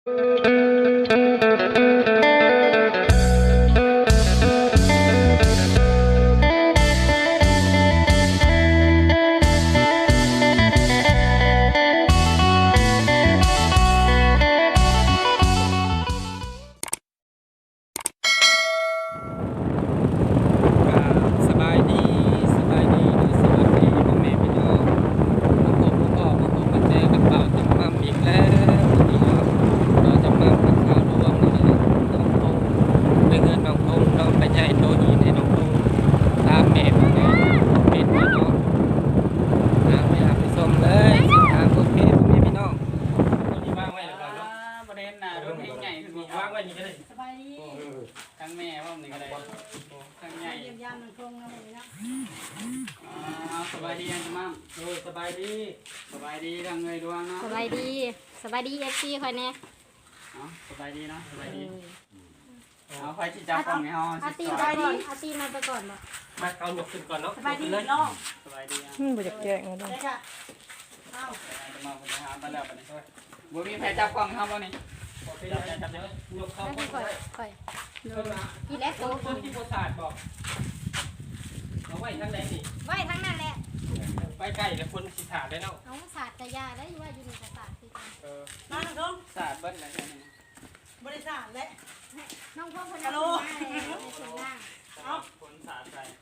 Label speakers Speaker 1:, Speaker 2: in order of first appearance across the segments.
Speaker 1: สบายดีสบายดีนะสวัสดีพ่อแม่พี่น้องมาพบมาเจอกับเป่าจำมั่มอีกแล้ววันนี้เราจะมาพักข่าวรวมนี่นะน้องพงไปเงินน้องพงน้องไปใหญ่โตหินให้น้องพงตามแม่ไปไงเป็นพี่น้องไม่อยากไปส่งเลยทางโอเคพ่อแม่พี่น้องวันนี้ว่างไว้หรือเปล่าเนาะ
Speaker 2: ประเด็นน่ะรถให้ใหญ่ขึ้นมี
Speaker 1: ว่างไว้นี่ก็ได้
Speaker 3: สบายดี
Speaker 2: ทั้งแม่ว่ามันก็ได้ทั้งใหญ่
Speaker 3: เยี่ยมยามมันคงนะหมูนะ
Speaker 2: สบายดีอันมั่ม
Speaker 1: สบายดี
Speaker 2: สบายดีทั้งเงยดวงเนาะ
Speaker 4: สบายดีเอฟซีคอยแน่
Speaker 2: สบายดีเนาะสบายดีเอาไฟที่จับกล้องให้เฮา
Speaker 4: อาตี
Speaker 2: ส
Speaker 4: ไป
Speaker 2: บาย
Speaker 4: ก่อนอาตีมาไปก่อนบ่
Speaker 1: มาเอาหยกขึ้นก่อนเนาะ
Speaker 3: สบายดีน้อง
Speaker 2: สบายดี
Speaker 5: บ่อยากแจ้งเลย
Speaker 3: ได้ค่ะเอ้า
Speaker 2: จะมาคนหาไปแล้วปะนี่บ่มีใครจับกล้องเฮาบ่นี่
Speaker 1: โอเคจับเดี๋ยวยกเข้า
Speaker 4: แล้ว
Speaker 1: ก่อน
Speaker 4: ค่อย
Speaker 1: เดินมา
Speaker 4: อีแลกโต
Speaker 1: ต้นที่โบสาดบอกเอาไว้ทั้งไหนนี่
Speaker 4: ไว้ทั้งนั้นแหละ
Speaker 1: ไปใกล้แต่คนสิถาดได้เนาะ
Speaker 4: น้องศาสตร์กะยาได้ว่าอยู่ในกระสาคือกัน
Speaker 3: มาน้องทง
Speaker 2: สาดเบิ้ลอะไรกันนี่
Speaker 3: บริษัทและ
Speaker 4: น้องพ่อคนนั้นมาเลยในส่วนล่าง
Speaker 2: เอาคนสาดใส่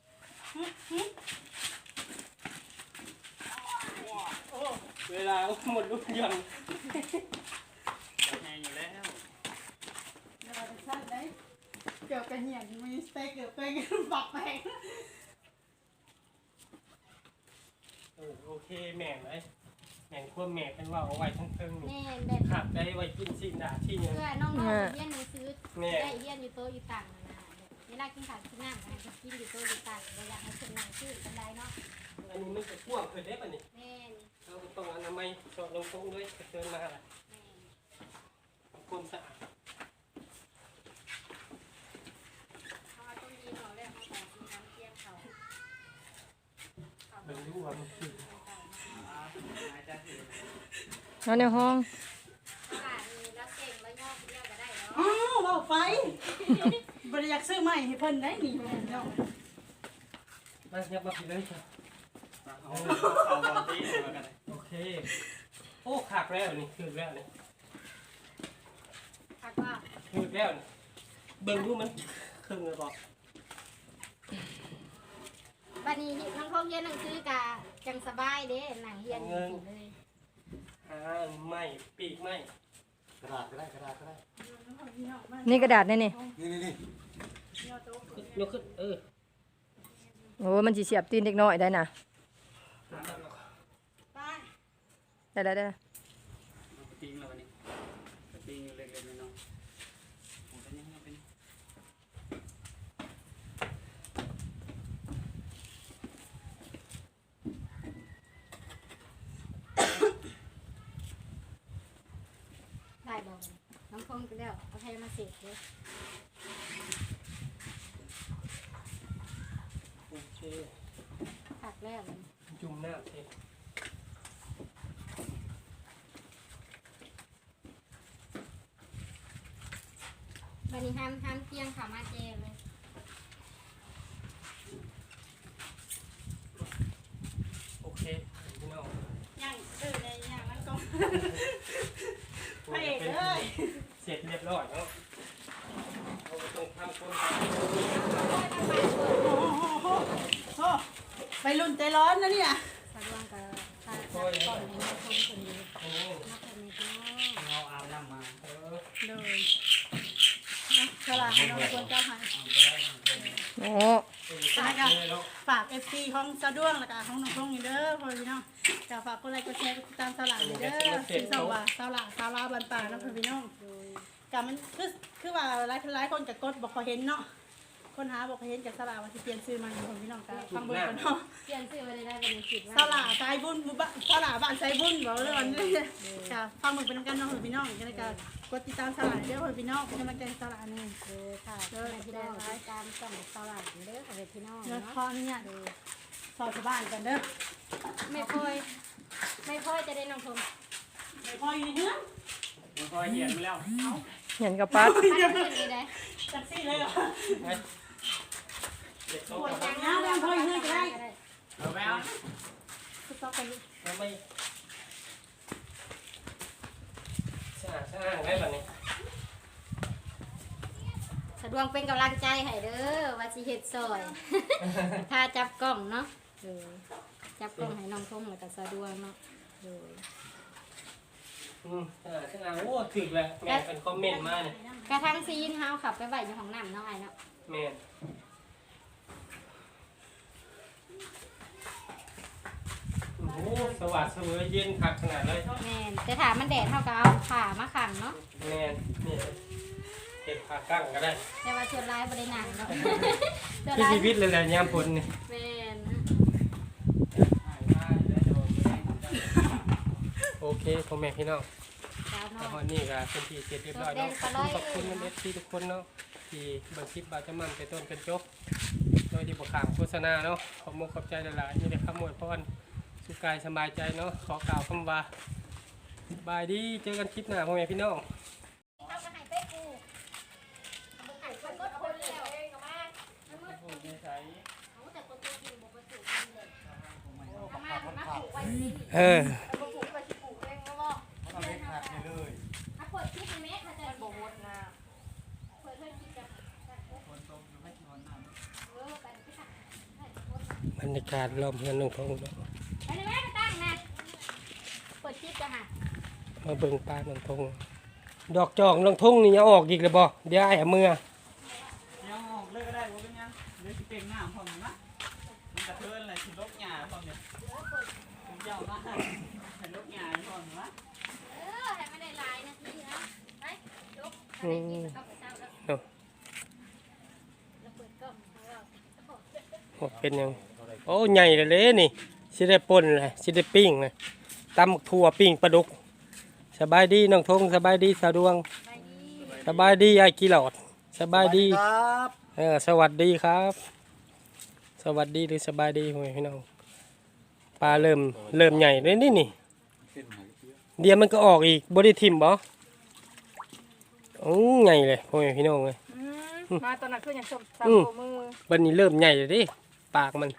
Speaker 2: เวลาหมดลูกยังแห้งอยู่แล้ว
Speaker 3: แล้วบริษัทได้เกี่ยวกับเหี่ยนมีสเต็กเกี่ยวกับปักแปง
Speaker 1: โอเคแม่งไหมแม่งควบแม่เป็นว่าเอาไว้ทั้งเทิงนี่
Speaker 4: แน่แบบ
Speaker 1: ขับได้ไว้กินสิ่งด่าที่เนี่ย
Speaker 4: เพื่อน้องๆเรียนหนังสือได้เรียนอยู่โตอยู่ต่างนะเวลากินข้าวกินน้ำให้กินอยู่โตอยู่ต่างเราอยากให้คนนั่งชื่อกันได้เนาะ
Speaker 1: อันนี้มันจะพ่วงเคยได้ป่ะนี่
Speaker 4: แม่น
Speaker 1: เราต้องอนามัยสอดลงตรงด้วยเดินมาอะไร
Speaker 4: แม่น
Speaker 1: ความสะอาด
Speaker 4: เขาต้องยิงเขาแล้วเขาขอกินน้ำเที่ยงเขา
Speaker 1: เป็นรู้ว่ามันคือ
Speaker 5: นอนในห้อง
Speaker 4: แล้วเก่งแล้วย่อเรียกก็ได้เนาะ
Speaker 3: อ้าวเอาไฟบริษัทซื้อใหม่ให้เพิ่นได้นี่น้อง
Speaker 1: มาเงียบมาผิดเลยจ้ะ
Speaker 2: เอาบอลตีมากัน
Speaker 1: โอเคโอ้ขักแล้วนี่คือแล้วนี่
Speaker 4: คักว่า
Speaker 1: คือแล้วนี่เบิ่งดูมันครึ่งเลยบอก
Speaker 4: บัดนี้น้องพงเรียนหนังสือกะจังสบายเด้หนังเรียนอยู่เลย
Speaker 1: ไม่ปีกไม่
Speaker 6: กระดาษก็ได้กระดาษก็ได้
Speaker 5: นี่กระดาษนี่นี่
Speaker 6: นี่
Speaker 1: ยกขึ้น
Speaker 5: โอ้มันสิเสียบตีนเด็กน้อยได้นะ
Speaker 3: ไป
Speaker 5: ได้
Speaker 2: ติ้งแล้ววันนี้ติ้งอยู่เล็กๆน้อยๆผมเป็นยังไงเป็น
Speaker 4: ได้บ่น้องพงก็แล้วเอาให้มาเสร็จเลย
Speaker 1: โอเค
Speaker 4: คักแล้ว
Speaker 1: จุ่มหน้าเท
Speaker 4: บัดนี้ห้ามเที่ยงเขามาเจเลย
Speaker 1: โอเคพี่น้อง
Speaker 3: ย่างซื้อในย่างนั้นก็พระเอกเลย
Speaker 1: เสร็จเรียบร้อยเนาะเราต้องทำคน
Speaker 3: โอ้ไปรุ่นใจร้อนนะเนี่ย
Speaker 4: สะดวกกับตาก่อนให้น้องพงคนนี้
Speaker 1: โอ้
Speaker 4: มาคนนี้พี่น้อง
Speaker 2: เราอาบน้ำมา
Speaker 3: โดยฉลาดน้องควรเจ้าหาย
Speaker 5: โอ้
Speaker 3: ฝาก FC ของสะดวงแล้วก็ของน้องทงนี่เด้อพ่อพี่น้องก็ฝากกดไลค์กดแชร์กดติดตามสลากนี่เด้อสิสว่าสลากสาราบันป่านะพ่อพี่น้องก็มันคือว่าหลายคนก็กดบ่ค่อยเห็นเนาะคนหาบ่ค่อยเห็นกับสลากว่าสิเปลี่ยนชื่อใหม่พ่อพี่น้องก็ฟังเบิ่งกันเนาะ
Speaker 4: เปลี่ยนชื่อมาได้เป็นคิดว่า
Speaker 3: สลากสายบุญบ้านสลากบ้านสายบุญบอกเลยวันนี้ก็ฟังเบิ่งเป็นกันเนาะพ่อพี่น้องก็เลยก็กดติดตามสลากเด้อพ่อพี่น้องเป็นกำลังใจสลากนี่
Speaker 4: ค่ะเด้อพี่น้องติดตามช่องสลัดเด้อของพี่น้อง
Speaker 3: เนาะ
Speaker 4: เนาะ
Speaker 3: ขออนุญาตสอบชาวบ้านกันเด้อ
Speaker 4: ไม่ค่อยจะได้น้องพง
Speaker 3: ไม่พออยู่ในเฮือน
Speaker 2: งมันก็เหียนมาแล้ว
Speaker 5: เห็นกับปัด
Speaker 4: ปัดขึ้นนี่ได้
Speaker 3: จักซี่เลยเหรอ
Speaker 1: เด็กโต
Speaker 3: ปวด
Speaker 1: กั
Speaker 3: จาน กน้ำแล้วพ่อยืดก็ได้
Speaker 2: เอาไปเอา
Speaker 3: สต๊อกไป
Speaker 1: แล้วไม่สร้างได้แบบนี้
Speaker 4: สะดวกเป็นกำลังใจให้เด้อว่าสิเฮ็ดซอย ถ้าจับกล้องเนาะจับกล้องให้น้องทงแล้วก็สะดวกเนาะ
Speaker 1: สร้างโอ้ถึกเลยแม่เป็นคอมเมนต์มาเนี่ย
Speaker 4: กระทั่งซีนเฮาขับไปไว้อยู่ห้องน้ำเนาะไอ้เนาะ
Speaker 1: แม่โอ้โหสวัสดิ์เสมอเย็นคักขนาดเลย
Speaker 4: แม่นแต่ถ้ามันแดดเฮาก็เอาผ้ามาขังเนาะ
Speaker 1: แม่นี่เก็บผ้ากั้งก็ได้
Speaker 4: แต่ว่าส่วนร้ายบ่ได้หนังเนาะ ส่วน
Speaker 1: ที่
Speaker 4: ร้าย
Speaker 1: ชีวิตเลยแหละยามฝนนี่
Speaker 4: แม่น
Speaker 1: โอเคพ่อแม่พี่น้อง
Speaker 4: สาว
Speaker 1: แต่
Speaker 4: น้อ
Speaker 1: วั
Speaker 4: ย
Speaker 1: นนี้ก็เป็นที่เสร็จเรียบร้อยเนาะขอบคุณเอฟซีทุกคนเนาะที่เบิ่งคลิปบาจะมันไปต้นกันจบโดยที่บ่ขามโฆษณาเนาะขอบมุกขอบใจหลายๆนี่ได้คำอวยพรสุขกายสบายใจเนาะขอกล่าวคำว่าบายดีเจอกันคลิปหน้าพ่อแม่พี่น้อง
Speaker 4: เอาก็ให้ไปกูเอาให้ไปกดคนแล้วเองก็มามันมืดเอาแต่คนตัวจริงบ่ประสูกันเลยเอามาปลูกไว้นี่
Speaker 1: เออ
Speaker 4: เอาปลูกไว้สิปลูกเองก็บ่
Speaker 6: เอาเล็กขาดไปเลย
Speaker 4: ถ้าเปิดคลิปในเมฆเขาจะบ่หมดนะเปิดเพื่อนคลิปจะ
Speaker 2: คนตรงอยู่ไม่กี่คนน้ำ
Speaker 4: เออไปไปค่ะ
Speaker 1: บรรยากาศรอบเฮือนน้องทงเนาะ
Speaker 4: ไปในเมฆไปตั้งนะเปิดคลิปจะหา
Speaker 1: มาเบิ่งปลาน้องทงดอกจอกน้องทงนี่ยังออกอีกเลยบ่เดี๋ยวไอ้เอามือ
Speaker 2: ยังออกเลยก็ได้บ่เป็นยังเลยสิเป็นน้ำพร้อมนะมันกระเทือนเลยสิลบหญ้าพร้อมเนี่ยผมยาวมากให้ลบหญ้าพร้อมนะ
Speaker 4: เออให้ไม่ได้หลายนาทีนะไปยกไปกินแล้วก็ไปเช้าแล้วแล้วเปิดกล้องแล้ว
Speaker 1: โอ้เป็นยังโอ้ใหญ่เลยเด้นี่สิได้ป่นเลยสิได้ปิ้งเลยตำถั่วปิ้งปลาดุกสบายดีน้องทงสบายดีสาวดวง
Speaker 4: ไปดี
Speaker 1: สบายดียายกีหลอดสบายดี
Speaker 6: ครับ
Speaker 1: สวัสดีครับ สวัสดีหรือสบายดีพ่อแม่พี่น้องปลาเริ่มใหญ่เลยนี่เดี๋ยวมันก็ออกอีกบไดิทิมบ่โอ้ใหญ่เลยพ่อแม่พี่น้องเลย
Speaker 5: มาตอนนั้นคือยังสมสามโมือ
Speaker 1: บันนี้เริ่มใหญ่เลยดิปากมัน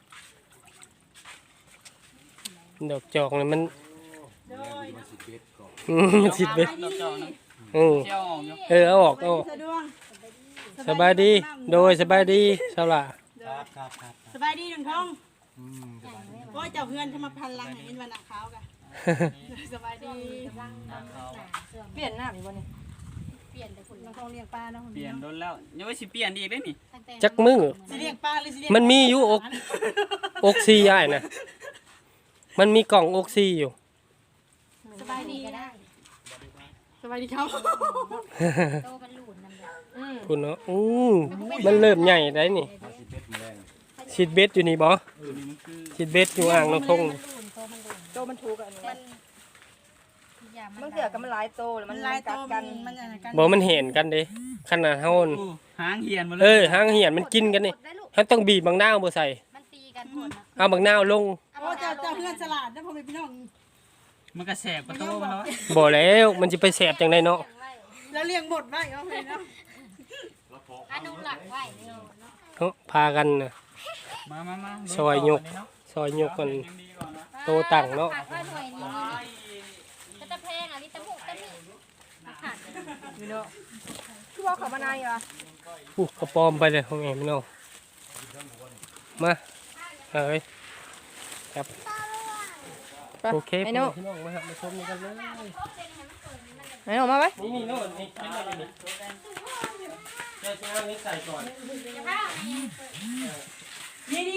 Speaker 1: ดอกจอกเลยมัน
Speaker 3: โดย
Speaker 6: มันสิเบ็ดก่อน
Speaker 1: มันสิเบ็ด
Speaker 2: ดอกจอกนะ
Speaker 1: อืม
Speaker 2: เที่ยวออกอยู่
Speaker 1: เอาออกเอาออก
Speaker 3: สะดวก
Speaker 1: สบายดีโดยสบายดีสาวละ
Speaker 6: ครับครับครับ
Speaker 3: สบายดีน้องทอง
Speaker 6: สบายดี
Speaker 3: โอ้ยเจ้าเพื่อนเขามาพันลังให้เอ็นวันหนักขาวกันสบายดี
Speaker 4: กำลังหนาเสื่อม
Speaker 5: เปลี่ยนหน้าอีกวันนี้
Speaker 4: เปลี่ยนแต่คน
Speaker 3: น้องทองเลี้ยงปลาเนาะ
Speaker 2: เปลี่ยนโดนแล้วยังไม่สิเปลี่ยนอีกได้นี่
Speaker 4: ตั้งแต่
Speaker 1: จักมือ
Speaker 3: สิเลี้ยงปลาหรือสิเลี้ยง
Speaker 1: มันมีอยู่อกซีอ้ายนะมันมีกล่องอกซีอยู่
Speaker 4: สบายดีก็ได้
Speaker 3: สบายดีครับ
Speaker 4: โตมันหลุดนั่นแหละ
Speaker 1: คุณเนาะมันเริ่มใหญ่ได้นี่
Speaker 6: มันสิเบ็ดมาแรง
Speaker 1: ชิดเบ็ดอยู่นี่บ่
Speaker 2: นี่มันคือ
Speaker 1: ชิดเบ็ดอยู่อ่างน้องทง
Speaker 4: มันหลุดโตมันหลุด
Speaker 5: โตมันถูกอันนี้
Speaker 4: มันอย่า
Speaker 5: มันเสือกับมันหลายโตแล้ว
Speaker 3: มั
Speaker 5: มัน น
Speaker 3: ลายโต
Speaker 5: กัด
Speaker 3: มั
Speaker 5: กัน น
Speaker 3: มันอย่างกัน
Speaker 1: บ่มันเห็นกันเด้ขนาดเฮาน่ะ
Speaker 2: หางเหียนมาเลย
Speaker 1: หางเหียนมันกินกันนี่
Speaker 4: ได้ลูก
Speaker 1: เฮาต้องบีบบางนาวบ่ใส่
Speaker 4: มันตีกันหมดนะ
Speaker 1: เอาบางนาวลง
Speaker 3: โอ้เจ้าเพื่อนฉลาดนะพ่อแม่พี่น้อง
Speaker 2: มันก็แสบกระโตมันแล้ว
Speaker 1: บ่แล้วมันสิไปแสบจังไดเนาะ
Speaker 3: แล้วเลี้ยงบดไว้เอาไปเนาะ
Speaker 4: อนุหลักไว้เนาะ
Speaker 1: เนาะพากันน่ะ
Speaker 2: มา
Speaker 1: ซอยยก ซอยยกกัน โตตั้งเนาะ
Speaker 4: ฝากไว้หน่วยนี้ก็จะแพงอ่ะลิตรมุกตะนี่มาขาด
Speaker 5: พี่น้องคือว่าเขามานานเหรอ
Speaker 1: กระปอมไปเลยพ่อแม่พี่น้องมาเอ้ยครับ โอเค
Speaker 5: ไอ้
Speaker 1: พ่อ
Speaker 5: โน่
Speaker 1: แม่พี่น้องมาหามาชมกันเลย
Speaker 5: ไอ้โน่มาไว้
Speaker 1: นี่โน่นนี่เป็นอะไรนี่เจ้าจะเอานี้ใส่ก่อน
Speaker 3: นี่ดิ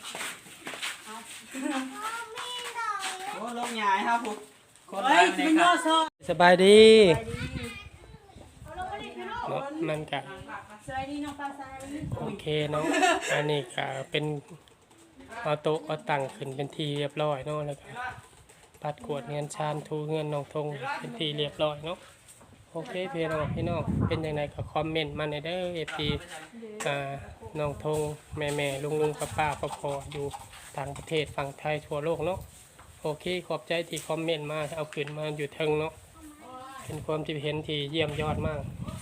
Speaker 2: โอ้ลงใหญ่ครับผมคน
Speaker 3: เฮ้
Speaker 2: ร้าย ย
Speaker 3: สิ
Speaker 2: ใน
Speaker 3: เป็น
Speaker 2: ค
Speaker 3: ย่อ
Speaker 2: รับ
Speaker 3: ซอ
Speaker 1: สบายดี
Speaker 3: เอาลงไปดิพี่น้อง
Speaker 1: เนาะมันกะ
Speaker 3: สบายดีน้องปลาทราย
Speaker 1: โอเคเนาะอันนี้กะเป็นเอาโต๊ะเอาตั้งขึ้นเป็นทีเรียบร้อยเนาะแล้วก็ปัดกวาดเงินชานทูเงินน้องทงเป็นทีเรียบร้อยเนาะโอเคพี่น้องเป็นยังไงก็คอมเมนต์มาในเด้อFPน้องทงแม่ลุงป้าพ่ออยู่ต่างประเทศฝั่งไทยทั่วโลกเนาะโอเคขอบใจที่คอมเมนต์มาเอาขึ้นมาอยู่เทิงเนาะเป็นความที่เห็นที่เยี่ยมยอดมาก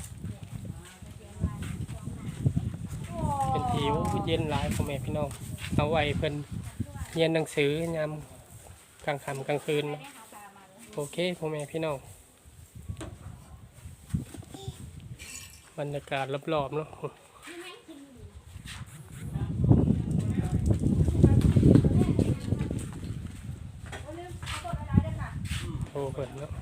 Speaker 1: เป็นที่เย็นหลายพ่อแม่พี่น้องเอาไว้เพิ่นเรียนหนังสือยามกลางค่ำกลางคืนเนาะโอเคพ่อแม่พี่น้องบรรยากาศรอบๆเนาะโอ้เพิ่นเนาะ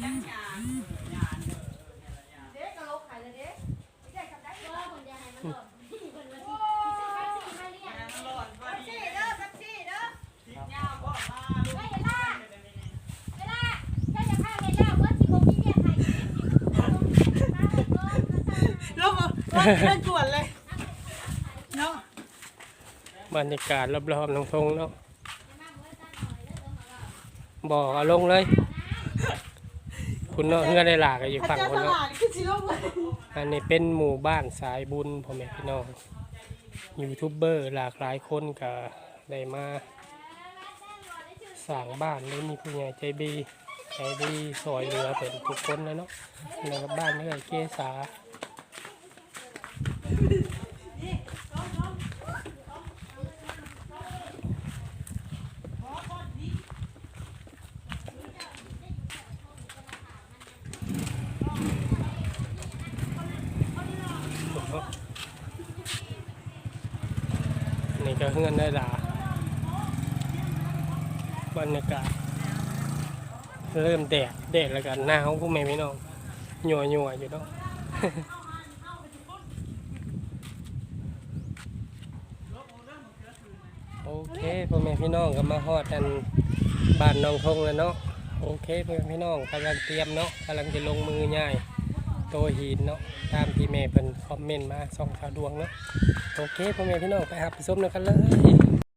Speaker 3: ลงเล่นกวนเลยเนาะ
Speaker 1: บรรยากาศรอบๆน้องทงเนาะบอกเอาลงเลยคุณเนาะเฮือได้หลากอยู่ฝั่งคนเนาะ
Speaker 3: ขึ้นสิลงเลย
Speaker 1: อันนี้เป็นหมู่บ้านสายบุญพ่อแม่พี่น้องยูทูบเบอร์หลากหลายคนก็ได้มาสร้างบ้านแล้วมีผู้ใหญ่ใจดีซอยเหลือเป็นทุกคนนะเนาะแล้วก็บ้านนี่ก็เกษานี่ก็เฮือนได้หลาบรรยากาศเริ่มแดดแล้วกันหนาวพวกแม่พี่น้องหนัวอยู่เนาะ โอเคพ่อแม่พี่น้องก็มาฮอดกันบ้านน้องทงแล้วเนาะโอเคพ่อแม่พี่น้องกำลังเตรียมเนาะกำลังจะลงมือง่ายโตหินเนาะตามที่แม่เพิ่นคอมเมนต์มาส่องข่าวดวงเนาะโอเคพ่อแม่พี่น้องไปหาไปชมกันเลย